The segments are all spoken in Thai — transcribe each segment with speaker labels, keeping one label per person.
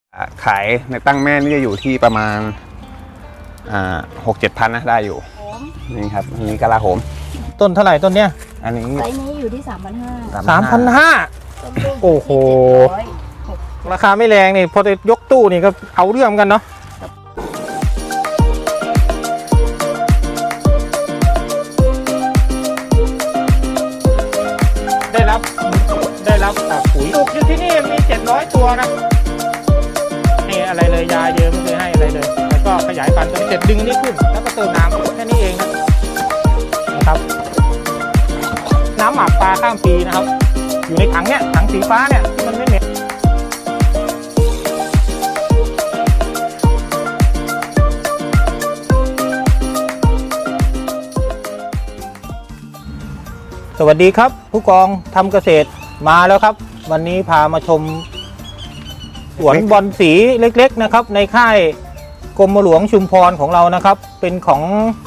Speaker 1: ขายในตั้งแม่นี่จะอยู่ที่ประมาณ6-7 พันนะได้อยู่นี่ครับอันนี้กะลาโหม
Speaker 2: ต้นเท่าไหร่ต้นเนี้ย
Speaker 1: อันนี้
Speaker 3: ไซส์นี้อยู่ที่ 3,500
Speaker 2: 3,500โอ้โหราคาไม่แรงนี่พอจะยกตู้นี่ก็เอาเรื่องกันเนาะได้รับปุ๋ยปลูกอยู่ที่นี่มี700ตัวนะนี่อะไรเลยยาเยอะไม่เคยให้อะไรเลยแล้วก็ขยายพันธุ์จนเสร็จดึงนี่ขึ้นแล้วก็เติมน้ำแค่นี้เองนะครับน้ำหมักปลาข้ามปีนะครับอยู่ในถังเนี่ยถังสีฟ้าเนี่ยที่มันไม่เหม็นสวัสดีครับผู้กองทำเกษตรมาแล้วครับวันนี้พามาชมสวนบอลสีเล็กๆนะครับในค่ายกรมหลวงชุมพรของเรานะครับเป็นของ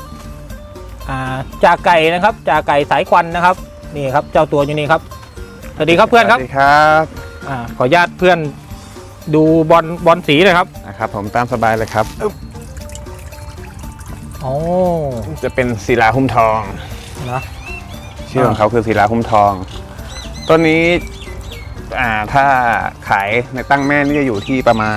Speaker 2: จ่าไก่นะครับจ่าไก่สายควันนะครับนี่ครับเจ้าตัวอยู่นี่ครับสวัสดีครับเพื่อนครับ
Speaker 1: สวัสดีครับ
Speaker 2: ขออนุญาตเพื่อนดูบอลสีเลยครับ
Speaker 1: นะครับผมตามสบายเลยครับ
Speaker 2: โอ้
Speaker 1: จะเป็นศิลาหุ้มทอง
Speaker 2: นะ
Speaker 1: ชื่อของเขาคือศิลาหุ้มทองต้นนี้ถ้าขายในตั้งแม่นี่จะอยู่ที่ประมาณ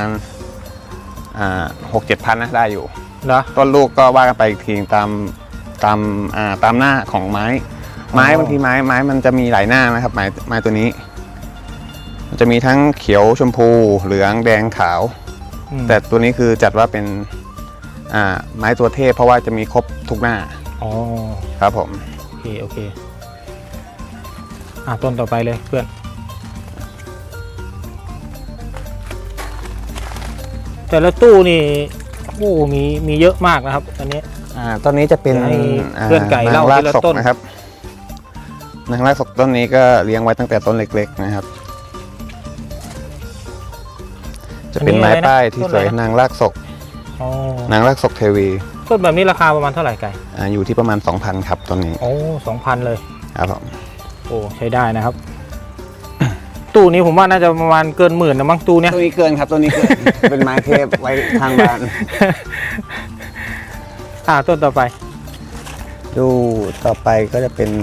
Speaker 1: 6-7 พันนะได้อยู่
Speaker 2: นะ
Speaker 1: ต้นลูกก็ว่ากันไปอีกทีตามหน้าของไม้บางทีไม้มันจะมีหลายหน้านะครับไม้ตัวนี้มันจะมีทั้งเขียวชมพูเหลืองแดงขาวแต่ตัวนี้คือจัดว่าเป็นไม้ตัวเทพเพราะว่าจะมีครบทุกหน้า
Speaker 2: อ๋อ
Speaker 1: ครับผม
Speaker 2: โอเคต้นต่อไปเลยเพื่อนแต่ละตู้นี่โอ้มีเยอะมากนะครับอันนี้
Speaker 1: ต้นนี้จะเป็น
Speaker 2: เพื่อนไก่เล่าทีละต้น
Speaker 1: นะครับนางรากศกต้นนี้ก็เลี้ยงไว้ตั้งแต่ต้นเล็กๆนะครับจะเป็นไม้ป้ายที่สวยนางรากศกนางรากศกเทวี
Speaker 2: ต้นแบบนี้ราคาประมาณเท่าไหร่ไก่
Speaker 1: อยู่ที่ประมาณ 2,000 ครับต้นนี้
Speaker 2: โอ้ 2,000 เลย
Speaker 1: ครับผม
Speaker 2: โอ้ใช้ได้นะครับตู้นี้ผมว่าน่าจะประมาณเกิน10,000นะมั้งตู้เนี้ย
Speaker 1: ตู้นี้เกินครับตู้นี้เกิน เป็นไม้เทพไว้ทางบ้าน
Speaker 2: ต้นต่อไป
Speaker 1: ดูต่อไปก็จะเป็น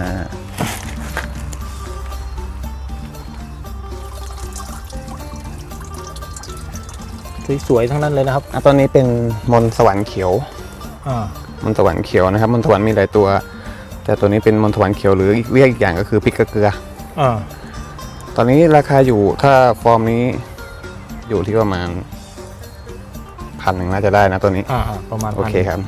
Speaker 2: สวยๆทั้งนั้นเลยนะครับ
Speaker 1: ต้นนี้เป็นมนสวรรค์เขียวมนสวรรค์เขียวนะครับมนสวรรค์มีหลายตัวแต่ตัวนี้เป็นมนสวรรค์เขียวหรือเรียกอีกอย่างก็คือพริกกระเกลือตอนนี้ราคาอยู่ถ้าฟอร์มนี้อยู่ที่ประมาณ1,000น่าจะได้นะตัวนี้
Speaker 2: ประมาณ
Speaker 1: โอเคครับ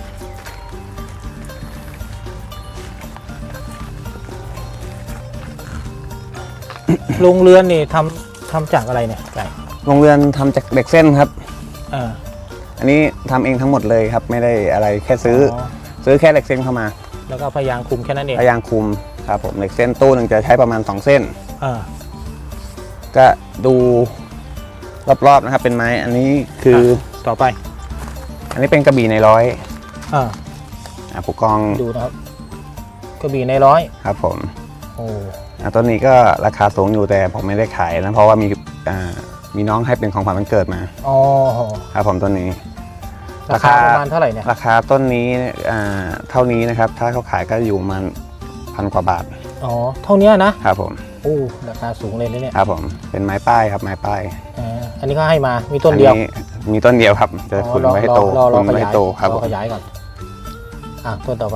Speaker 2: โรงเรือนนี่ทำจากอะไรเนี่ยไก่
Speaker 1: โรงเรือนทำจากเหล็กเส้นครับอันนี้ทำเองทั้งหมดเลยครับไม่ได้อะไรแค่ซื้อแค่เหล็กเส้นเข้ามา
Speaker 2: แล้วก็พยางคุมแค่นั้นเอง
Speaker 1: พยางคุมครับผมเหล็กเส้นตู้หนึ่งจะใช้ประมาณ2 เส้นก็ดูรอบๆนะครับเป็นไม้อันนี้คือ
Speaker 2: ต่อไป
Speaker 1: อันนี้เป็นกระบี่ในร้อยผู้กอง
Speaker 2: ดูนะครับกระบี่ในร้อย
Speaker 1: ครับผม
Speaker 2: โอ้
Speaker 1: ต้นนี้ก็ราคาสูงอยู่แต่ผมไม่ได้ขายนะเพราะว่ามีน้องให้เป็นของขวัญวันเกิดมาครับผมต้นนี้
Speaker 2: ราคาประมาณเท่าไหร่เนี่ย
Speaker 1: ราคาต้นนี้เท่านี้นะครับถ้าเขาขายก็อยู่ประมาณ1,000 กว่าบาท
Speaker 2: เท่านี้นะครับ
Speaker 1: ผม
Speaker 2: โอ้ราคาสูงเลยเนี่ย
Speaker 1: ครับผมเป็นไม้ป้ายครับไม้ป้าย
Speaker 2: อันนี้ก็ให้มามีต้นเดียว
Speaker 1: มีต้นเดียวครับจะขุนไว้ให้โตขุนไว้ให้โตครับ
Speaker 2: ขยายก่อนต้นต่อไป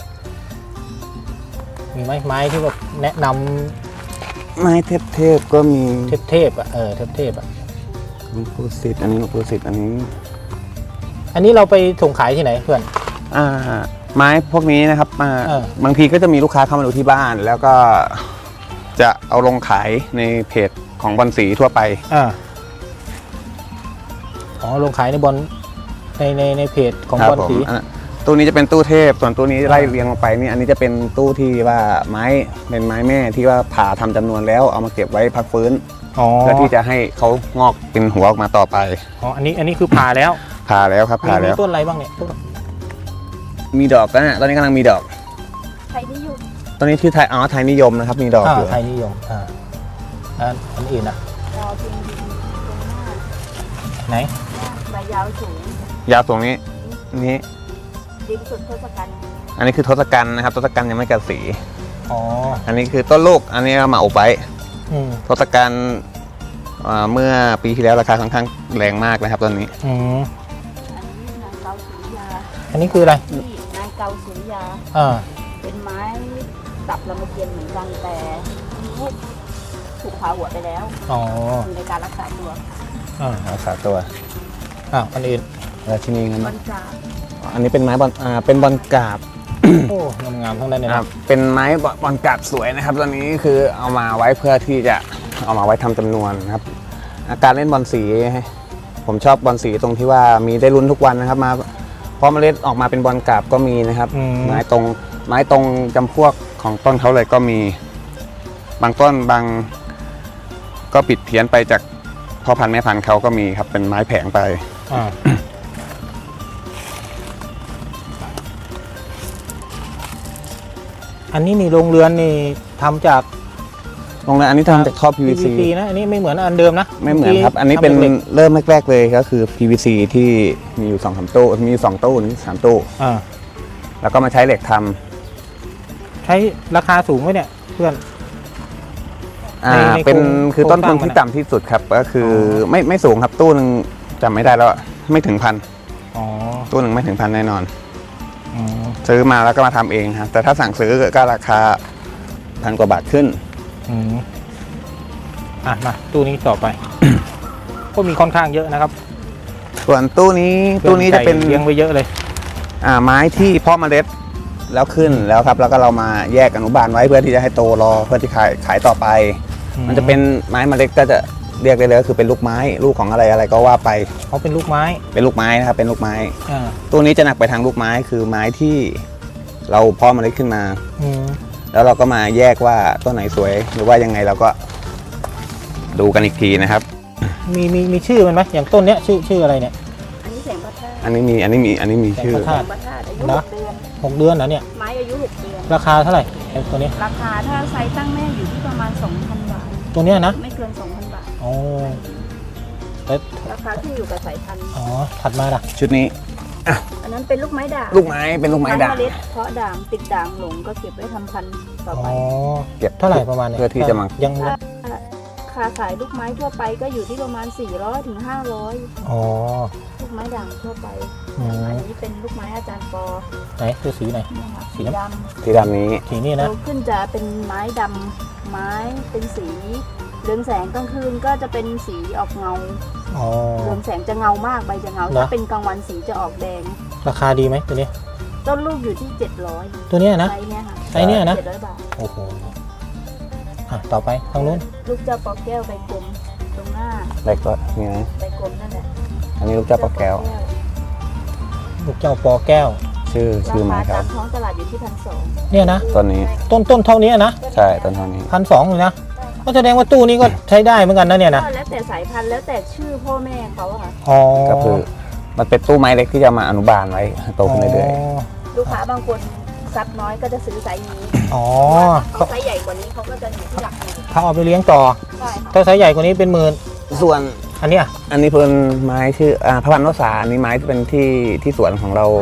Speaker 2: มีไม้ที่แบบแนะนำ
Speaker 1: ไม้เทพก็มี
Speaker 2: เทพเทพ
Speaker 1: หลวงปู่ศิษย์อันนี้หลวงปู่ศิษย์อัน
Speaker 2: นี้เราไปส่งขายที่ไหนเพื่อน
Speaker 1: ไม้พวกนี้นะครับบางทีก็จะมีลูกค้าเข้ามาดูที่บ้านแล้วก็จะเอาลงขายในเพจของบอลสีทั่วไป
Speaker 2: ลงขายในบอลในเพจของบอลสี
Speaker 1: ตู้นี้จะเป็นตู้เทพส่วนตู้นี้ไล่เรียงลงไปนี่อันนี้จะเป็นตู้ที่ว่าเป็นไม้แม่ที่ว่าผ่าทำจำนวนแล้วเอามาเก็บไว้พักฟื้นเพื่อที่จะให้เขางอกเป็นหัวออกมาต่อไป
Speaker 2: อันนี้คือผ่าแล้ว
Speaker 1: ครับผ่าแล้ว
Speaker 2: มีต้นอะไรบ้างเนี่ย
Speaker 1: มีดอกนะตอนนี้กำลังมีดอก
Speaker 3: ไทยนิยม
Speaker 1: ตอนนี้ที่ไทยนิยมนะครับมีดอกอยู่
Speaker 2: ไทยนิยมอันอื่นนะไหน
Speaker 3: ใบยาวสูง
Speaker 1: ยาวสูงนี้นี้
Speaker 3: ดินสุดทศกัณฐ์
Speaker 1: อันนี้คือทศกัณฐ์นะครับทศกัณฐ์ยังไม่กัดสี
Speaker 2: อ๋อ
Speaker 1: อันนี้คือต้นลูกอันนี้เอามาอบไว้
Speaker 2: อืม
Speaker 1: ทศกัณฐ์เมื่อปีที่แล้วราคาค่อนข้างแรงมากนะครับตอนนี้
Speaker 2: อืม
Speaker 3: อันนี้นางเกาสุริยา
Speaker 2: อันนี้คืออะไร
Speaker 3: ที่นางเกาสุริยา
Speaker 2: อ่า
Speaker 3: เป็นไม้ตับลำเทียนเหมือนกันแต่ลูกถูกผ่าหัวไปแล้ว
Speaker 2: อ๋อ
Speaker 3: อยู่ในการรักษาตัว
Speaker 1: รักษาตัว
Speaker 2: อันอื่น
Speaker 1: ราชินีเงิน
Speaker 3: มันจะ
Speaker 1: อันนี้เป็นไม้บอลเป็นบอลกราบ
Speaker 2: โอ้งามๆทั้งนั้นเลย
Speaker 1: ค
Speaker 2: นะ
Speaker 1: รับเป็นไม้บอลกราบสวยนะครับตอนนี้คือเอามาไว้เพื่อที่จะเอามาไว้ทำจำนวนนะครับการเล่นบอลสีผมชอบบอลสีตรงที่ว่ามีได้ลุ้นทุกวันนะครับมาพอเมล็ดออกมาเป็นบอลกราบก็มีนะครับ ไม้ตรงจำพวกของต้นเขาเลยก็มีบางต้นบางก็ปิดเพี้ยนไปจากพ่อพันธุ์แม่พันธุ์เขาก็มีครับเป็นไม้แผงไป
Speaker 2: อ่าอันนี้นี่โรงเรือนนี่ทำจาก
Speaker 1: ตรงนั้นอันนี้ทำจากท่อ PVC
Speaker 2: นะอันนี้ไม่เหมือนอันเดิมนะ
Speaker 1: ไม่เหมือนครับ อันนี้เป็น
Speaker 2: ทำหล็ก
Speaker 1: เริ่มแรกๆเลยก็คือ PVC ที่มีอยู่2-3ตู้มีอยู่2ตู้นี่3ตู้
Speaker 2: อ่า
Speaker 1: แล้วก็มาใช้เหล็กทำ
Speaker 2: ใช้ราคาสูงไหมเนี่ยเพื่อน ใน
Speaker 1: เป็น
Speaker 2: โครง
Speaker 1: คือต้นทุน
Speaker 2: โครงสร้างมัน
Speaker 1: ที่ต่ำที่สุดครับก็คือไม่สูงครับตู้หนึ่งจำไม่ได้แล้วไม่ถึงพัน
Speaker 2: อ๋อ
Speaker 1: ตู้หนึ่งไม่ถึงพันแน่นอน
Speaker 2: อืม
Speaker 1: ซื้อมาแล้วก็มาทำเองครับแต่ถ้าสั่งซื้อก็ราคา1,000 กว่าบาทขึ้น
Speaker 2: อืมมาตู้นี้ต่อไป ก็มีค่อนข้างเยอะนะครับ
Speaker 1: ส่วนตู้นี้จะเป็น
Speaker 2: เลี้ยงไว้เยอะเลย
Speaker 1: ไม้ที่เพาะเมล็ดแล้วขึ้นแล้วครับแล้วก็เรามาแยกอนุบาลไว้เพื่อที่จะให้โตรอเพื่อที่ขายต่อไป มันจะเป็นไม้เมล็ดก็จะเรียกได้เลยก็คือเป็นลูกไม้ลูกของอะไรก็ว่าไป
Speaker 2: เขาเป็นลูกไม้
Speaker 1: เป็นลูกไม้นะครับเป็นลูกไม้
Speaker 2: อ่า
Speaker 1: ตู้นี้จะหนักไปทางลูกไม้คือไม้ที่เราเพาะเมล็ดขึ้นมา
Speaker 2: อืม
Speaker 1: แล้วเราก็มาแยกว่าต้นไหนสวยหรือว่ายังไงเราก็ดูกันอีกทีนะครับ
Speaker 2: มีชื่อมันไหมอย่างต้นเนี้ยชื่ออะไรเนี่ย
Speaker 3: อันนี้แสงประทาด
Speaker 1: อันนี้มีชื่อ
Speaker 2: แสงประ
Speaker 3: แส
Speaker 2: ทาด
Speaker 3: งประทาดอายุ
Speaker 2: นะ
Speaker 3: 6 เดือน
Speaker 2: 6 เดือนนะเนี่ย
Speaker 3: ไม้อายุ 6 เดือน
Speaker 2: ราคาเท่าไหร่ไอ้ตัวนี้
Speaker 3: ราคาถ้าไซส์ตั้งแม่อยู่ที่ประมาณ 2,000 บาท
Speaker 2: ตัวเนี้ยนะ
Speaker 3: ไม่เกิน 2,000 บาท
Speaker 2: อ๋อแล้ว
Speaker 3: ราคาที่อยู่กับสายพันธุ์
Speaker 2: อ๋อถัดมาล่ะ
Speaker 1: ชุดนี้
Speaker 3: อันนั้นเป็นลูกไม้ด่าง
Speaker 1: ลูกไม้เป็นลูกไม้ด่าง
Speaker 3: เมล็ดเพาะด่างติดด่างหลงก็เก็บไว้ทำพันธุ์ต่อ
Speaker 2: อ๋
Speaker 3: ไป
Speaker 2: อ
Speaker 1: เก็บ
Speaker 2: เท่าไหร่ประมาณเนี่ย
Speaker 1: เพื่อที่จะมา
Speaker 2: ยัง
Speaker 3: ค่าขายลูกไม้ทั่วไปก็อยู่ที่ประมาณ 400 ถึง 500
Speaker 2: อ๋อ
Speaker 3: ลูกไม้ด่างทั่วไป
Speaker 2: อืม
Speaker 3: อันนี้เป็นลูกไม้อาจารย์ปอ
Speaker 2: ไหนคือสีไหน
Speaker 3: เนี่ยค่ะ
Speaker 2: สี
Speaker 3: สี
Speaker 2: น้ำ
Speaker 3: ด
Speaker 1: สีดำนี้
Speaker 2: สีนี่
Speaker 3: ำ
Speaker 2: นะ
Speaker 3: โตขึ้นจะเป็นไม้ดำไม้เป็นสีเรืองแสงกลางคืนก็จะเป็นสีออกเงา
Speaker 2: อ๋อ
Speaker 3: เรืองแสงจะเงามากใบจะเงา
Speaker 2: เหรอ
Speaker 3: ถ้าเป็นกลางวันสีจะออกแดง
Speaker 2: ราคาดีไหมตัวนี้
Speaker 3: ต้นลูกอยู่ที่ 700
Speaker 2: ตัวเนี้ยนะ
Speaker 3: ไซส์เนี่ยค่ะ
Speaker 2: ไซส์เนี่ยนะ
Speaker 3: 700 บาท
Speaker 2: โอ้โหต่อไปทางนู้น
Speaker 3: ลูกเจ้าปอแก้วใบกลมตรงหน้า
Speaker 1: เล็กก็นี่นะ
Speaker 3: ใบกลมนั่นแหละ
Speaker 1: อันนี้ลูกเจ้าปลาแก้ว
Speaker 2: ลูกเจ้าปอแก้ว
Speaker 1: ชื่อไม้
Speaker 3: รา
Speaker 1: ค
Speaker 3: คา
Speaker 1: รั
Speaker 3: ตา
Speaker 1: บ
Speaker 3: มท้องตลาดอยู่ที่ 1,200
Speaker 2: เนี่ยนะ
Speaker 1: ต้นนี้
Speaker 2: ต้นเท่านี้นะ
Speaker 1: ใช่ต้นเท่านี้
Speaker 2: 1,200เลยนะก็แสดงว่าตู้นี้ก็ใช้ได้เหมือนกันนะเนี่ยนะ
Speaker 3: ก็แล้วแต่สายพันธุ์แล้วแต่ชื่อพ่อแม่เขาอะค่ะ
Speaker 2: อ๋อ
Speaker 1: ก็คือมันเป็นตู้ไม้เล็กที่จะมาอนุบาลไว้โตขึ้นเรื่อย
Speaker 3: ลูกค้าบางคนซับน้อยก็จะซื้อไซส์นี้
Speaker 2: อ๋อ
Speaker 3: เขาไซส์ใหญ่กว่านี้เขาก็จะอยู่ที่หลักหมื่น
Speaker 2: เขาเอาไปเลี้ยงต่อ
Speaker 3: ใช่ค่ะ
Speaker 2: ถ้าไซส์ใหญ่กว่านี้เป็นหมื่น
Speaker 1: ๆส่วน
Speaker 2: อันเนี้ย
Speaker 1: อันนี้เป็นไม้ชื่อพระพันธุ์วสาอันนี้ไม้ที่เป็นที่สวนของเรา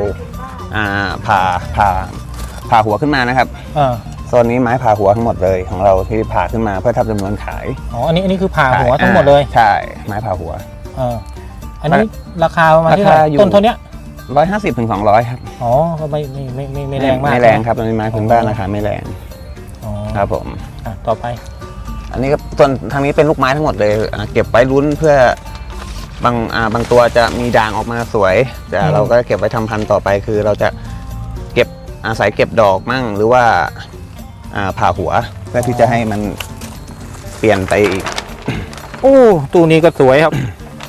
Speaker 1: ผ่าหัวขึ้นมานะครับ
Speaker 2: อ่า
Speaker 1: โซนนี้ไม้ผ่าหัวทั้งหมดเลยของเราที่ผ่าขึ้นมาเพื่อทำจำนวนขาย
Speaker 2: อ๋ออันนี้คือผ่าหัวทั้งหมดเลย
Speaker 1: ใช่ไม้ผ่าหัว
Speaker 2: อันนี้ราคาประมาณที่
Speaker 1: รา
Speaker 2: ไห
Speaker 1: คาอยู่
Speaker 2: ต้นเท่าเนี้ย
Speaker 1: 150 ถึง 200 ครับ
Speaker 2: อ๋อก็ไม่แรงมาก
Speaker 1: ไม่แรงครับอันนี้ไม้พื้นบ้านราคาไม่แรง
Speaker 2: อ๋อ
Speaker 1: ครับผม
Speaker 2: ต่อไป
Speaker 1: อันนี้ก็ส่วนทางนี้เป็นลูกไม้ทั้งหมดเลยเก็บไว้ลุ้นเพื่อบางตัวจะมีด่างออกมาสวยแต่เราก็เก็บไว้ทำพันธุ์ต่อไปคือเราจะเก็บอาศัยเก็บดอกมั่งหรือว่าผ่าหัวเพื่อที่จะให้มันเปลี่ยนไปอีก
Speaker 2: โอ้ตู้นี้ก็สวยครับ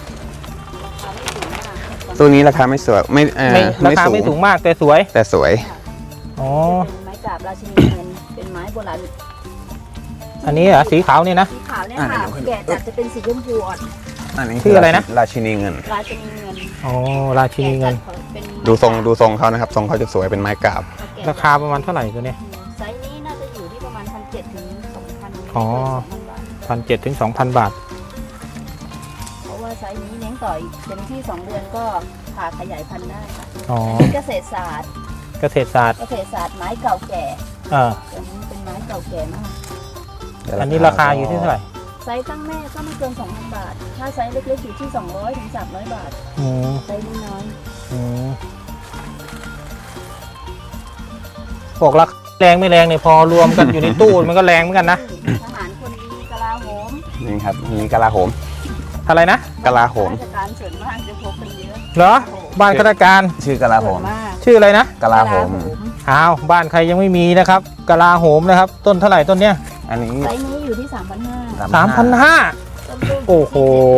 Speaker 1: ตัวนี้ราคาไม่สวยไม่
Speaker 2: ราคาไม่สูงมากแต่สวย
Speaker 1: แต่สวย
Speaker 2: อ๋อ
Speaker 3: เป็นไม้กราบราชินีเงินเป็นไม้โบราณ
Speaker 2: อันนี้เหรอสีขาวนี่นะ
Speaker 3: สีขาวเนี่ยค่ะแกะจัดจะเป็นสีชมพูอ่อน
Speaker 1: อันนี้
Speaker 2: ชื่ออะไรนะ
Speaker 1: ราชินีเงิน
Speaker 3: ราชินีเงิน
Speaker 2: อ๋อราชินีเงิน
Speaker 3: แกะจัดเป็น
Speaker 1: ดูทรงเขานะครับทรงเขาจะสวยเป็นไม้กราบ
Speaker 2: ราคาประมาณเท่าไหร่ตัวเนี้ย
Speaker 3: ไซส์นี้น่าจะอยู่ที่ประมาณ 1,700 ถึง 2,000
Speaker 2: อ๋อ
Speaker 3: 2,000 บาท
Speaker 2: 1,700 ถึง 2,000 บาท
Speaker 3: เพราะว่าไซส์นี้เลี้ยงต่ออีกเต็มที่2 เดือนก็ผ่าขยายพันธุ์ได้ค่ะ
Speaker 2: อ๋อ
Speaker 3: อันนี้เกษตรศาสตร์
Speaker 2: เกษตรศาสตร์
Speaker 3: เกษตรศาสตร์ไม้เก่าแก่
Speaker 2: อ่า
Speaker 3: อันนี้เป็นไม้เก่าแก่มาก
Speaker 2: อันนี้ราคาอยู่ที่เท่าไหร่
Speaker 3: ไซส์ตั้งแม่ก็ไม่เกิน 2,000 บาท ถ้าไซส์เล็กๆอยู่ที่200 ถึง 300 บาท
Speaker 2: อืม
Speaker 3: ไซส์น้อย
Speaker 2: อืมบอกราคาแรงไม่แรงเนี่ยพอรวมกันอยู่ในตู้มันก็แรงเหมือนกันนะ
Speaker 3: ๆทหารคนดีกลาโหม
Speaker 1: นี่ครับมีกลาโหม
Speaker 2: อะไรนะ
Speaker 1: กลาโหม
Speaker 3: ราชการส่วนมากจะพกกันเยอะ
Speaker 2: เหรอ บ้านข้าราชการ
Speaker 1: ชื่อกลาโห
Speaker 3: ส่ว
Speaker 1: ม
Speaker 3: นมาก
Speaker 2: ชื่ออะไรนะ
Speaker 1: กลาโหม
Speaker 2: อ้าวบ้านใครยังไม่มีนะครับกะลาโหมนะครับ ต้นเท่าไหร่ต้นเนี้ย
Speaker 1: อันนี้
Speaker 3: ไซส์นี้อยู่ที่ 3,500
Speaker 2: 3,500
Speaker 3: ต้นลูก
Speaker 2: โอ้โห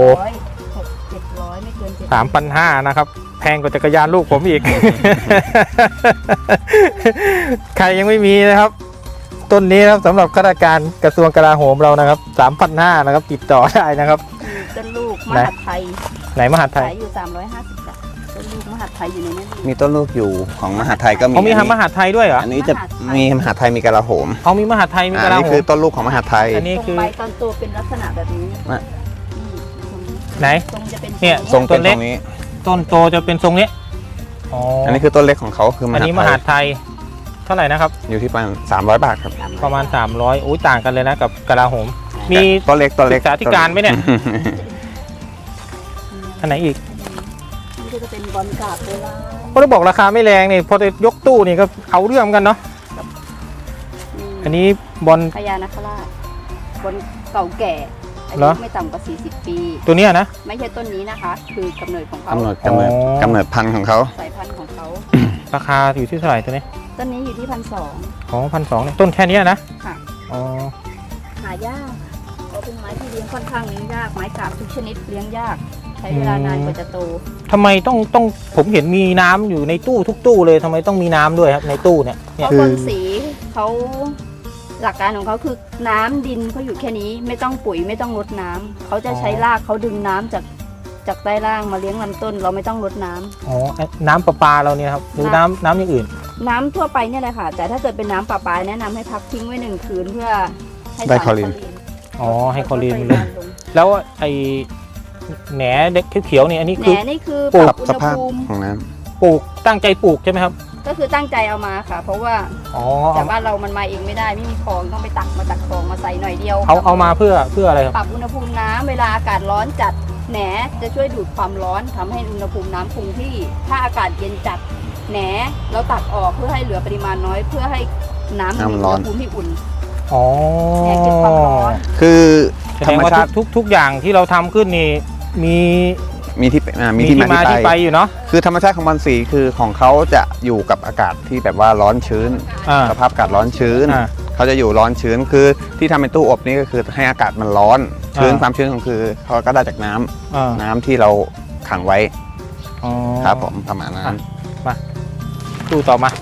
Speaker 3: 700ไม่เกิน700
Speaker 2: 3,500นะครับแพงกว่าจักรยานลูกผมอีก ใครยังไม่มีนะครับ ต้นนี้นะครับสำหรับข้าราชการกระทรวงกลาโหมเรานะครับ 3,500นะครับติดต่อได้นะครับ
Speaker 3: ต้นลูกมหาดไทย
Speaker 2: ไหนมหาดไทย
Speaker 3: ขายอยู่350บาทต้นลูกมหาดไทยอยู่ในนั้นอยู่
Speaker 1: มีต้นลูกอยู่ของมหาไทยก็มี
Speaker 2: เขามีมหาดไทยด้วยเหรอ
Speaker 1: อันนี้จะมีมหาไทยมีกลาโหม
Speaker 2: เขามีมหาดไทยมีก
Speaker 1: อัน
Speaker 2: ลา
Speaker 1: นี้
Speaker 2: โห
Speaker 1: คื
Speaker 2: ม
Speaker 1: อต้นลูกของมหาไทย
Speaker 2: อันนี้
Speaker 3: ตรง
Speaker 2: คือ
Speaker 3: ใบตอนโตเป็นลักษณะแบบนี้
Speaker 1: มา
Speaker 2: ไหน
Speaker 3: ตรงจะเป็น
Speaker 2: เนี่ย
Speaker 1: ทรงเป็น
Speaker 2: ต้นเล็
Speaker 1: ต
Speaker 2: ก
Speaker 1: รงนี้
Speaker 2: ต้นโตจะเป็นทรงนี้อ๋อ
Speaker 1: อันนี้คือต้นเล็กของเขาคือม
Speaker 2: อัน
Speaker 1: หา
Speaker 2: นี้ม
Speaker 1: ไท
Speaker 2: หาย ดไทยเท่าไหร่นะครับ
Speaker 1: อยู่ที่ประมาณ300 บาทครับ
Speaker 2: ประมาณ300อุ้ยต่างกันเลยนะกับกลาโหมมี
Speaker 1: ต้นเล็กต้นเล็ก
Speaker 2: ศึกษาธิการไหมเนี่ย อันไหนอีก
Speaker 3: นี่ก็จะเป็นบอลกราบโบราณ
Speaker 2: พอจะบอกราคาไม่แรงนี่พอจะยกตู้นี่ก็เอาเรื่องเหมือนกันเนาะอันนี้บอล
Speaker 3: พญานาคราชบอลเก่าแก่อา
Speaker 2: เหร
Speaker 3: ยุ
Speaker 2: อ
Speaker 3: ไม่ต่ำกว่า 40 ปี
Speaker 2: ตัวเนี้ยนะ
Speaker 3: ไม่ใช่ต้นนี้นะคะ คือกำเนิดของเขา
Speaker 1: กำเนิดพันธุ์ของเขา
Speaker 3: สายพันธุ์ของเขา
Speaker 2: ราคาอยู่ที่เท่าไหร่ตัวนี้
Speaker 3: ต้นนี้อยู่ที่1,200
Speaker 2: อ๋อ1,200เนี่ยต้นแค่เนี้ยนะ
Speaker 3: ค่ะ
Speaker 2: อ๋อ
Speaker 3: หายากเพราะเป็นไม้ที่เลี้ยงค่อนข้างเลี้ยงยากไม้กราบทุกชนิดเลี้ยงยาก ใช้เวลานานกว่าจะโต
Speaker 2: ทำไมต้องผมเห็นมีน้ำอยู่ในตู้ทุกตู้เลยทำไมต้องมีน้ำด้วยครับในตู้เนี่ย
Speaker 3: เพราะบนสีเขาหลักการของเขาคือน้ำดินเขาอยู่แค่นี้ไม่ต้องปุ๋ยไม่ต้องรดน้ำเขาจะใช้รากเขาดึงน้ำจากใต้ล่างมาเลี้ยงลำต้น เราไม่ต้องรดน้ำ
Speaker 2: อ๋อน้ำประปาเราเนี่ยครับหรือน้ำอย่างอื่น
Speaker 3: น้ำทั่วไปเนี่ยแหละค่ะ แต่ถ้าเกิดเป็นน้ำประปาแนะนำให้พักทิ้งไว้1 คืนเพื่อให้
Speaker 1: ได้
Speaker 3: สาร
Speaker 1: คลอรีน
Speaker 2: อ๋อให้คลอรีนมันล
Speaker 3: ล
Speaker 2: ง
Speaker 3: ง
Speaker 2: แล้วไอแหนเด็กเขียวๆนี่อันนี้
Speaker 3: แห
Speaker 2: คือ
Speaker 3: นนี่คือ
Speaker 2: ปลูก
Speaker 3: ปรับอุณ
Speaker 1: ส
Speaker 3: ห
Speaker 1: ภาพ
Speaker 3: ภูมิ
Speaker 1: ของน้
Speaker 2: ปลูกตั้งใจปลูกใช่ไหมครับ
Speaker 3: ก็คือตั้งใจเอามาค่ะ เพราะว่า
Speaker 2: อ๋อ
Speaker 3: แต่บ้านเรามันมาเองไม่ได้ไม่มีคลองต้องไปตักมาจากคลองมาใส่หน่อยเดียว
Speaker 2: เอามาเพื่ออะไรครับ
Speaker 3: ปรับอุณหภูมิน้ำเวลาอากาศร้อนจัดแหนจะช่วยดูดความร้อนทำให้อุณหภูมิน้ำคงที่ ถ้าอากาศเย็นจัดแหนเราตักออกเพื่อให้เหลือปริมาณน้อย เพื่อให้น้ำมีอุณหภูมิที่อุ่น
Speaker 2: อ๋อ
Speaker 3: แหนเก็บความร้อน
Speaker 1: ำคือ
Speaker 2: แส
Speaker 1: ธ
Speaker 2: ด
Speaker 1: รง รม
Speaker 2: ว่า
Speaker 1: ชาติ
Speaker 2: ทุกอย่างที่เราทำขึ้นนี่มี
Speaker 1: มีที่มี
Speaker 2: มี
Speaker 1: ที่
Speaker 2: ที่
Speaker 1: มา
Speaker 2: มา
Speaker 1: ที่
Speaker 2: ที่
Speaker 1: ไป
Speaker 2: ไปอยู่เนาะ
Speaker 1: คือธรรมชาติของบอลสีคือของเขาจะอยู่กับอากาศที่แบบว่าร้อนชื้น
Speaker 2: อ่า
Speaker 1: สภาพอากาศร้อนชื้น
Speaker 2: อ่า
Speaker 1: เขาจะอยู่ร้อนชื้นคือที่ทำเป็นตู้อบนี่ก็คือให้อากาศมันร้อนชื้น
Speaker 2: อ่า
Speaker 1: ความชื้นของคือเขาก็ได้จากน้ำ
Speaker 2: อ่า
Speaker 1: น้ำที่เราขังไว้
Speaker 2: อ๋อ
Speaker 1: ครับผมประมาณนั้น
Speaker 2: ตู้ต่อมา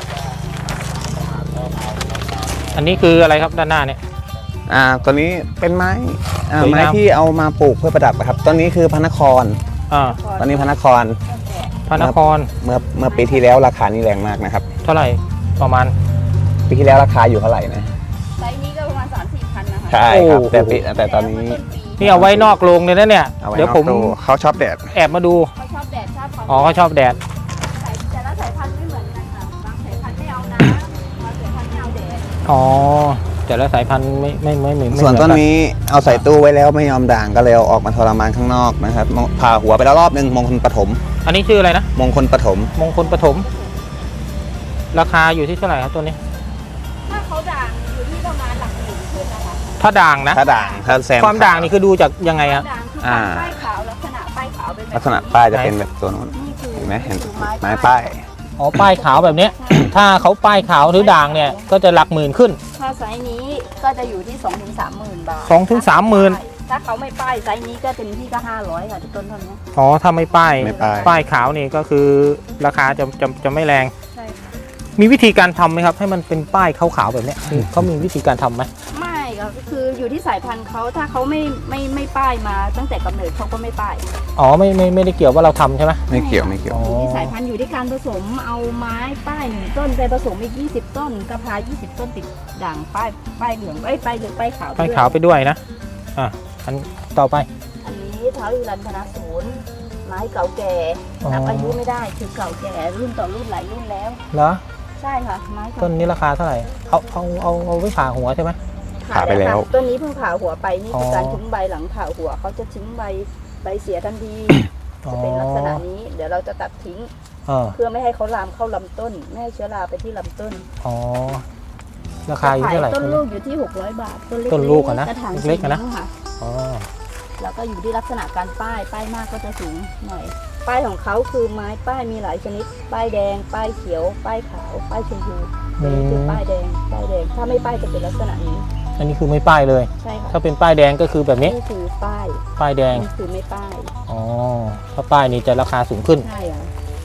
Speaker 2: อันนี้คืออะไรครับด้านหน้าเนี่ย
Speaker 1: ตัวนี้เป็นไม้
Speaker 2: สวยงาม
Speaker 1: ไม้ที่เอามาปลูกเพื่อประดับครับต้นนี้คือพระนคร
Speaker 2: อ่า
Speaker 1: ตอนนี้พระนคร
Speaker 2: พระนคร
Speaker 1: เมื่อปีที่แล้วราคานี่แรงมากนะครับ
Speaker 2: เท่าไหร่ประมาณ
Speaker 1: ปีที่แล้วราคาอยู่เท่าไหร่นะ
Speaker 3: ไซส์นี้ก็ประมาณ 3-4 พันนะคะ
Speaker 1: ใช่ครับ
Speaker 2: โอ้
Speaker 1: แต่ตอนนี้
Speaker 2: นี่เอาไว้นอกโรงเลยนะเนี่ย
Speaker 1: เอาไว้
Speaker 2: เดี๋ยว
Speaker 1: นอก
Speaker 2: ผม
Speaker 1: ตู้เขาชอบแดด
Speaker 2: แอบมาดู
Speaker 3: เขาชอบแดดชอบความ
Speaker 2: อ๋อเขาชอบแดด
Speaker 3: แต่ละสายพันธุ์ไม่เหมือนกันค่ะบางสายพันธุ์ไม่เอาน้ำบางสายพันธุ์ไม่เอาแดด
Speaker 2: อ๋อแต่ละสายพันธุ์ไม่เหมือน
Speaker 1: ส่วน
Speaker 2: กั
Speaker 1: ต้นนี้เอาใส่ตู้ไว้แล้วไม่ยอมด่างก็เลยเอาออกมาทรมานข้างนอกนะครับผ่าหัวไปแล้วรอบนึงมงคลปฐม
Speaker 2: อันนี้ชื่ออะไรนะ
Speaker 1: มงคลปฐม
Speaker 2: มงคลปฐมราคาอยู่ที่เท่าไหร่ครับตัวนี้
Speaker 3: ถ้าเขาด่างอยู่ที่ประมาณหลักหมื่นขึ้นนะคะ
Speaker 2: ถ้าด่างนะ
Speaker 1: ถ้าด่างถ้าแซม
Speaker 2: ความด่างนี่คือดูจากยังไงครับ
Speaker 3: ด่างคือป้ายขาวลักษณะป้ายขาวเป็นแบบ
Speaker 1: ลักษณะป้ายจะเป็นแบบตัวนู้น
Speaker 3: นี่คือ
Speaker 1: เห็นไหมเห็น
Speaker 3: คือ
Speaker 1: ไม้ป้าย
Speaker 2: อ๋อป้ายขาวแบบเนี้ย ถ้าเขาป้ายขาวหรือด่างเนี่ยก็จะหลักหมื่นขึ้น
Speaker 3: ถ้าไซส์นี้ก็จะอยู่ที่2-3 หมื่นบาท
Speaker 2: 2 ถึง 3 หมื่น
Speaker 3: ถ้าเขาไม่ป้ายไซส์นี้ก็เต็มที่ก็500ค่ะต้นเท่านี้
Speaker 2: อ๋อถ้าไม่ป้าย
Speaker 1: ไม่ป้าย
Speaker 2: ป้ายขาวนี่ก็คือราคาจะไม่แรง
Speaker 3: ใช่ค่ะ
Speaker 2: มีวิธีการทำไหมครับ ให้มันเป็นป้ายขาวๆแบบเนี้ยเขามีวิธีการทำไหม
Speaker 3: ไม่ก็คืออยู่ที่สายพันธุ์เขาถ้าเขาไม่ป้ายมาตั้งแต่กำเนิดเขาก็ไม่ป้าย
Speaker 2: อ๋อไม่ได้เกี่ยวว่าเราทำใช่ไหม
Speaker 1: ไม่เกี่ยวไม่เกี่ยว
Speaker 2: อ๋อ
Speaker 3: อยู่ที่สายพันธุ์อยู่ที่การผสมเอาไม้ป้าย1 ต้นไปผสมอีก20 ต้นกระพา20 ต้นติดด่างป้ายเหลืองป้ายเหลืองป้ายขาว
Speaker 2: ป้ายขาวไปด้วยนะอ่ะอันต่อไป
Speaker 3: อันนี้ท้าวฮิรัญพนาศูนย์ไม้เก่าแก่นับอายุไม่ได้คือเก่าแก่รุ่นต่อรุ่นหลายรุ่นแล้ว
Speaker 2: เหรอ
Speaker 3: ใช่ค่ะไม้เก่า
Speaker 2: ต้นนี้ราคาเท่าไหร่เอาไว้ผ่าหัวใช่ไหม
Speaker 1: ผ่าไปแล้ว
Speaker 3: ต้นนี้เพิ่งผ่าหัวไปนี่คืออ
Speaker 2: อ
Speaker 3: การทิ้งใบหลังผ่าหัวเขาจะทิ้งใบเสียทันที
Speaker 2: อ๋อ
Speaker 3: จะเป็นลักษณะนี้เดี๋ยวเราจะตัดทิ้ง เพื่อไม่ให้เขาลามเข้าลำต้นไม่ให้เชื้อราไปที่ลำต้น
Speaker 2: อ๋อราคาอยู่เท่าไหร่
Speaker 3: ต้นลูกอยู่ที่600 บาท
Speaker 2: ต้นลูกอะนะ
Speaker 3: กระถาง
Speaker 2: เล็กๆอะนะ
Speaker 3: สีม่วงค่
Speaker 2: อ๋อ
Speaker 3: แล้วก็อยู่ที่ลักษณะการป้ายมากก็จะสูงหน่อย ป้ายของเขาคือไม้ป้ายมีหลายชนิด ป้ายแดง ป้ายเขียว ป้ายขาว ป้ายชมพูนี่คือป้ายแดง ถ้าไม่ป้ายจะเป็นลักษณะนี้
Speaker 2: อันนี้คือไม่ป้ายเลย
Speaker 3: ใช่ค่ะ
Speaker 2: ถ้าเป็นป้ายแดงก็คือแบบนี้
Speaker 3: นี่คือป้าย
Speaker 2: ป้ายแดง
Speaker 3: นี่คือไม่ป้าย
Speaker 2: อ๋อถ้าป้ายนี้จะราคาสูงขึ้น
Speaker 3: ใช่ค่ะ